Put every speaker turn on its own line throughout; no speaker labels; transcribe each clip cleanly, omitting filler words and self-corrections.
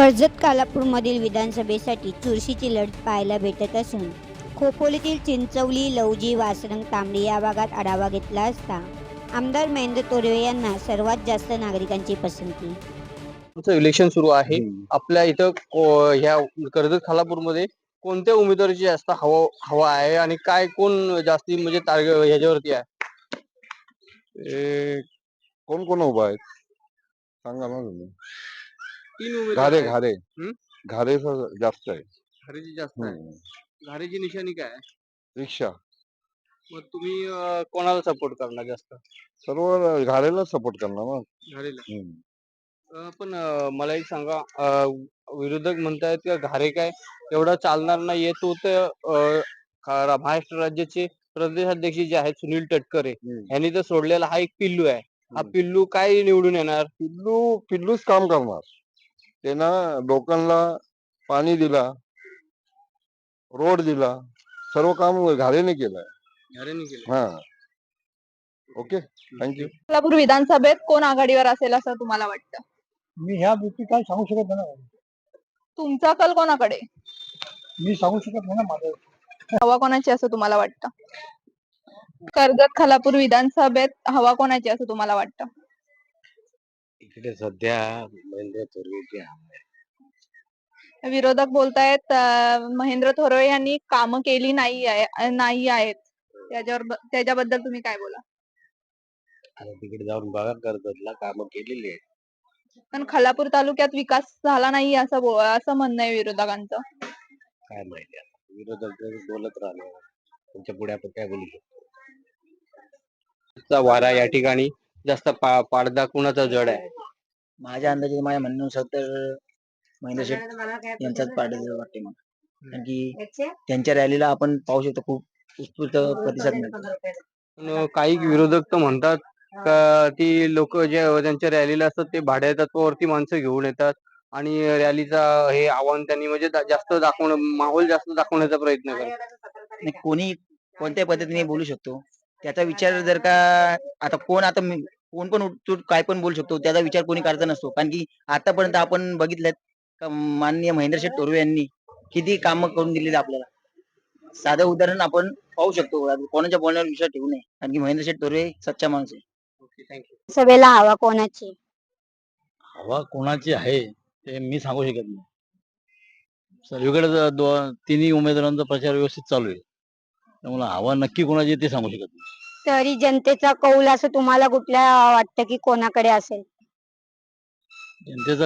कर्जत कालापूरमधील विधानसभेसाठी चुरशीची लढत पाहायला भेटत असून खोपोलीतील चिंचवली, लवजी, वासरंग, तांबडी या भागात आढावा घेतला असता आमदार महेंद्र तोरवे यांना सर्वात जास्त नागरिकांची पसंती.
इलेक्शन सुरू आहे. आपल्या इथं ह्या कर्जत खालापूरमध्ये कोणत्या उमेदवाराची जास्त हवा आहे आणि काय कोण जास्ती म्हणजे टार्गेट ह्याच्यावरती आहे?
कोण कोण उभा आहेत सांगा ना तुम्ही.
तीन उमेदवार
घारे
आहेत.
घारे
हम्म?
घारे जास्त आहे.
घारेची जास्त आहे. घारेची निशाणी काय आहे?
रिक्षा.
मग तुम्ही कोणाला सपोर्ट करणार जास्त?
सर्व घारेला सपोर्ट करणार ना.
घारेला. पण मला एक सांगा, विरोधक म्हणतायत की घारे काय एवढा चालणार नाहीये. तो तर महाराष्ट्र राज्याचे प्रदेशाध्यक्ष जे आहेत सुनील तटकरे यांनी तर सोडलेला हा एक पिल्लू आहे. हा पिल्लू काय निवडून येणार?
पिल्लूच काम करणार. त्यानं लोकांना पाणी दिला, रोड दिला, सर्व काम घारेने केलंय.
घारेने केलं.
हा, ओके, थँक्यू.
कोल्हापूर विधानसभेत कोण आघाडीवर असेल असं तुम्हाला वाटतं?
मी ह्या गोष्टी काय सांगू शकत नाही ना.
तुमचा कल कोणाकडे?
मी सांगू शकत नाही ना माझं.
हवा कोणाची असं तुम्हाला वाटतं? कर्जत खालापूर विधानसभेत हवा कोणाची असं तुम्हाला वाटतं?
इकडे सध्या महेंद्र तोरवेची हवा आहे.
विरोधक बोलतायत महेंद्र तोरवे यांनी कामं केली नाही आहेत. त्याच्याबद्दल तुम्ही काय बोला?
आता तिकडे जाऊन बघा, कर्जतला कामं केलेली आहेत.
पण खालापूर तालुक्यात विकास झाला नाही असं म्हणणं आहे विरोधकांचं.
काय माहिती आता विरोधक बोलत राहणार, त्यांच्या पुढे आपण काय बोलू शकतो? वारा या ठिकाणी जास्त पाडदा कुणाचा जड आहे?
माझ्या अंदाजे माझ्या म्हणण्यानुसार तर महेंद्र शेठ यांचाच पाडायचं वाटते मला. कारण की त्यांच्या रॅलीला आपण पाहू शकतो खूप उत्स्फूर्त प्रतिसाद मिळतो.
पण काही विरोधक तर म्हणतात का ती लोक जे त्यांच्या रॅलीला असतात ते भाड्या तत्वावरती माणसं घेऊन येतात आणि रॅलीचा हे आव्हान त्यांनी म्हणजे जास्त माहोल जास्त दाखवण्याचा प्रयत्न करतात.
आणि कोणी कोणत्या पद्धतीने बोलू शकतो त्याचा विचार जर का आता कोण पण उठून काय पण बोलू शकतो त्याचा विचार कोणी करता नसतो. कारण की आतापर्यंत आपण बघितलं का माननीय महेंद्र शेठ तोरवे यांनी किती कामं करून दिलेली आपल्याला. साधं उदाहरण आपण पाहू शकतो. कोणाच्या बोलण्यावर विश्वास ठेवू नये. कारण की महेंद्र शेठ तोरवे सच्चा माणूस आहे.
सभेला हवा कोणाची?
हवा कोणाची आहे ते मी सांगू शकत नाही. सगळीकडे तिन्ही उमेदवारांचा प्रचार व्यवस्थित चालू आहे, त्यामुळे हवा नक्की कोणाची ते सांगू शकत नाही.
तरी जनतेचा कौल असं तुम्हाला कुठल्या वाटतं की कोणाकडे असेल?
जनतेचा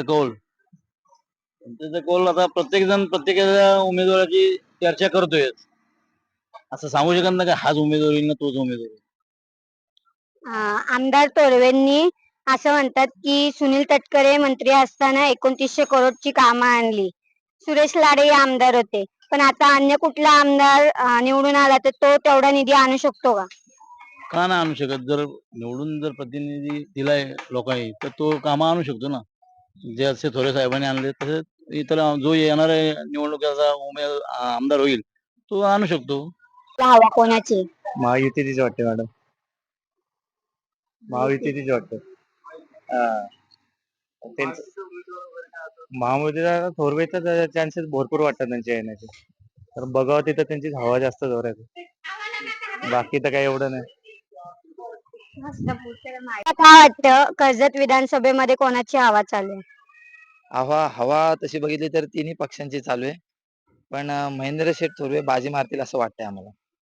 आता प्रत्येक जण प्रत्येकाच्या उमेदवाराची चर्चा करतोय. असं सांगू शकत नाही का हाच उमेदवार येईल ना तोच उमेदवार येईल.
आमदार तोरवेंनी असं म्हणतात की सुनील तटकरे मंत्री असताना 2900 करोडची कामं आणली. सुरेश लाडे आमदार होते, पण आता अन्य कुठला आमदार निवडून आला तर तो तेवढा निधी आणू शकतो का?
का नाही आणू शकत? जर निवडून जर प्रतिनिधी दिलाय लोकांनी तर तो कामं आणू शकतो ना. जे असे थोरे साहेबांनी आणले तसे इतर जो येणार निवडणुकीचा आमदार होईल तो आणू शकतो.
हवा कोणाची?
महायुतीचीच वाटते मॅडम. महायुतीचीच वाटतं. महायुतीला थोरवेचा चान्सेस भरपूर वाटतात त्यांच्या येण्याचे. तर बघावं तिथं त्यांची हवा जास्त जोरात आहे. बाकी तर काही एवढं नाही.
काय वाटतं कर्जत विधानसभेमध्ये कोणाची हवा चालू आहे?
हवा तशी बघितली तर तिन्ही पक्षांची चालू आहे. पण महेंद्र शेठ तोरवे बाजी मारतील असं वाटतंय आम्हाला.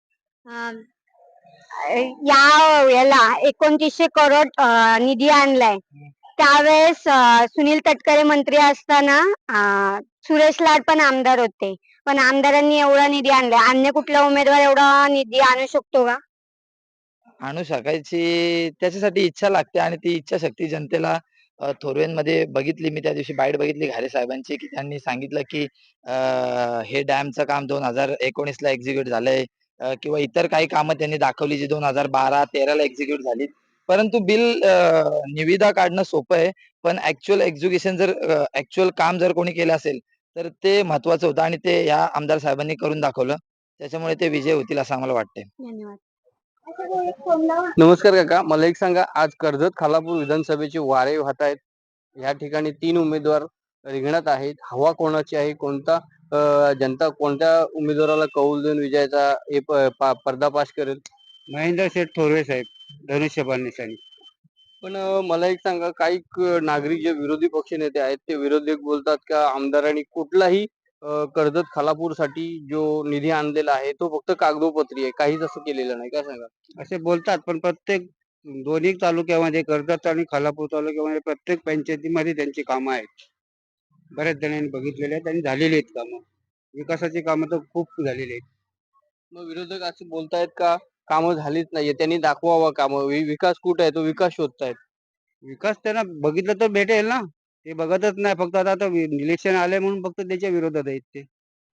याला 2900 करोड निधी आणलाय. त्यावेळेस सुनील तटकरे मंत्री असताना सुरेश लाड पण आमदार होते, पण आमदारांनी एवढा निधी आणलाय. अन्य कुठला उमेदवार एवढा निधी आणू शकतो का?
आणू शकायची त्याच्यासाठी इच्छा लागते आणि ती इच्छाशक्ती जनतेला थोरवेंमध्ये बघितली. मी त्या दिवशी बाईट बघितली घारे साहेबांची की त्यांनी सांगितलं की हे डॅमचं काम 2019 ला एक्झिक्यूट झालंय किंवा इतर काही कामं त्यांनी दाखवली जी 2012-13 ला एक्झिक्यूट झाली. परंतु बिल निविदा काढणं सोपं आहे, पण ऍक्च्युअल एक्झिक्युशन जर ऍक्च्युअल काम जर कोणी केलं असेल तर ते महत्वाचं होतं आणि ते या आमदार साहेबांनी करून दाखवलं. त्याच्यामुळे ते विजय होतील असं आम्हाला वाटतंय.
धन्यवाद.
नमस्कार काका, मला एक सांगा, आज कर्जत खालापूर विधानसभेचे वारे वाहत आहेत. या ठिकाणी तीन उमेदवार रिंगणात आहेत. हवा कोणाची आहे, कोणता जनता कोणत्या उमेदवाराला कौल देऊन विजयाचा पर्दाफाश करेल?
महेंद्र शेठ थोरवे साहेब, धनुष्यबाण निशाणी.
पण मला एक सांगा, काही नागरिक जे विरोधी पक्ष नेते आहेत ते विरोधक बोलतात का आमदारांनी कुठलाही कर्जत खालापूरसाठी जो निधी आणलेला आहे तो फक्त कागदोपत्री आहे, काहीच असं केलेलं नाही. काय सांगा?
असे बोलतात, पण प्रत्येक दोन्ही तालुक्यामध्ये, कर्जत आणि खालापूर तालुक्यामध्ये प्रत्येक पंचायतीमध्ये त्यांची कामं आहेत. बऱ्याच जणांनी बघितलेले आहेत आणि झालेली आहेत कामं. विकासाची कामं तर खूप झालेली आहेत.
मग विरोधक असे बोलतायत का कामं झालीच नाहीये, त्यांनी दाखवावं कामं, विकास कुठे आहे तो विकास शोधतायत.
विकास त्यांना बघितलं तर भेटेल ना, ते बघतच नाही. फक्त आता इलेक्शन आले म्हणून फक्त त्याच्या विरोधात आहेत ते.